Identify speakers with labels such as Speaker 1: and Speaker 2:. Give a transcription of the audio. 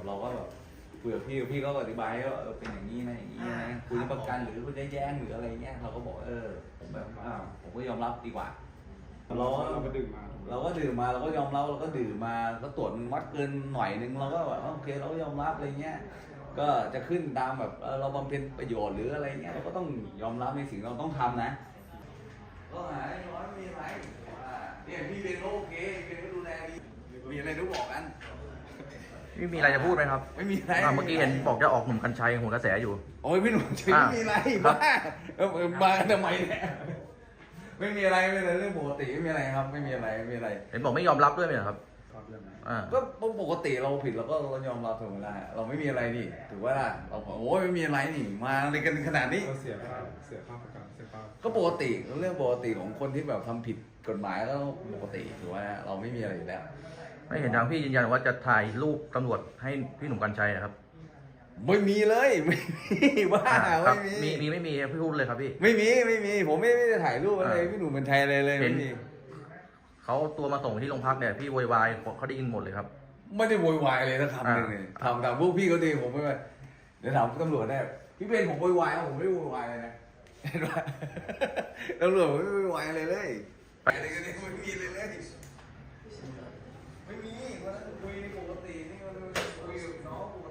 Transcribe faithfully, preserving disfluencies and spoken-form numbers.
Speaker 1: แบบเราก็แบบคุยกับพี่พี่ก็อธิบายว่าเออเป็นอย่างนี้นะอย่างนี้นะคุยประกันหรือคุณจะแย้งหรืออะไรเงี้ยเราก็บอกเออผมแบบอ้าวผมก็ยอมรับดีกว่าเราเราก็ดื่มมาเราก็ดื่มมาเราก็ยอมรับเราก็ดื่มมาก็ตรวจวัดเกินหน่อยนึงเราก็แบบโอเคเราก็ยอมรับอะไรเงี้ยก็จะขึ้นตามแบบเราบำเพ็ญประโยชน์หรืออะไรเงี้ยเราก็ต้องยอมรับในสิ่งเราต้องทำนะก็หายน้อยมีอะไรเนี่ยพี่เบนก็โอเคเบนก็ดูแลดีมีอะไรต้องบอกกัน
Speaker 2: ไม่มีอะไรจะพูดไหมครับ
Speaker 1: ไม่มีอะไร
Speaker 2: เมื่อกี้เห็นบอกจะออกหนุ่มกัญชัยหัวกระแสอยู่
Speaker 1: โอ้ยพี่หนุ่มไม่มีอะไรบ้ามากันทำไมเนี่ยไม่มีอะไรไม่มีอะไรเรื่องปกติไม่มีอะไรครับไม่มีอะไรไม่มีอะไร
Speaker 2: เห็นบอกไม่ยอมรับด้วยไหมครับ
Speaker 1: ก็ปกติเราผิดเราก็เรายอมรับถูกไหมล่ะเราไม่มีอะไรนี่ถือว่าเราโอ้ยไม่มีอะไรนี่มาอะไรกันขนาดนี้
Speaker 3: เสียค่าเสียค่าประกันเสียค่า
Speaker 1: ก็ปกติเรื่องปกติของคนที่แบบทำผิดกฎหมายก็ปกติถือว่าเราไม่มีอะไรอยู่แล้ว
Speaker 2: ไม่เห็นทางพี่ยืนยันว่าจะถ่ายรูปตำรวจให้พี่หนุ่มกัญชัยนะครับ
Speaker 1: ไม่มีเลยไม่มีว่า
Speaker 2: ไม่มีมีไม่มีพี่พูดเลยครับพี่
Speaker 1: ไม่มีไม่มีผมไม่ไม่ได้ถ่ายรูปอะไรพี่หนุ่มกัญชัยอะไรเลยไม่มี
Speaker 2: เขาตัวมาส่งที่โรงพักเนี่ยพี่โวยวายเขาได้ยินหมดเลยครับ
Speaker 1: ไม่ได้โวยวายเลยนะคำหนึ่งเลยทำตามพวกพี่เขาดีผมไม่ไปเดี๋ยวถามตำรวจได้พี่เป็นผมโวยวายผมไม่ได้โวยวายเลยนะเห็นไหมตำรวจไม่โวยวายอะไรเลยอะไรกันเนี่ยไม่มีเลยเลยไม่มีวันนั้นคุยปกตินี่มันคุยกับน้องปก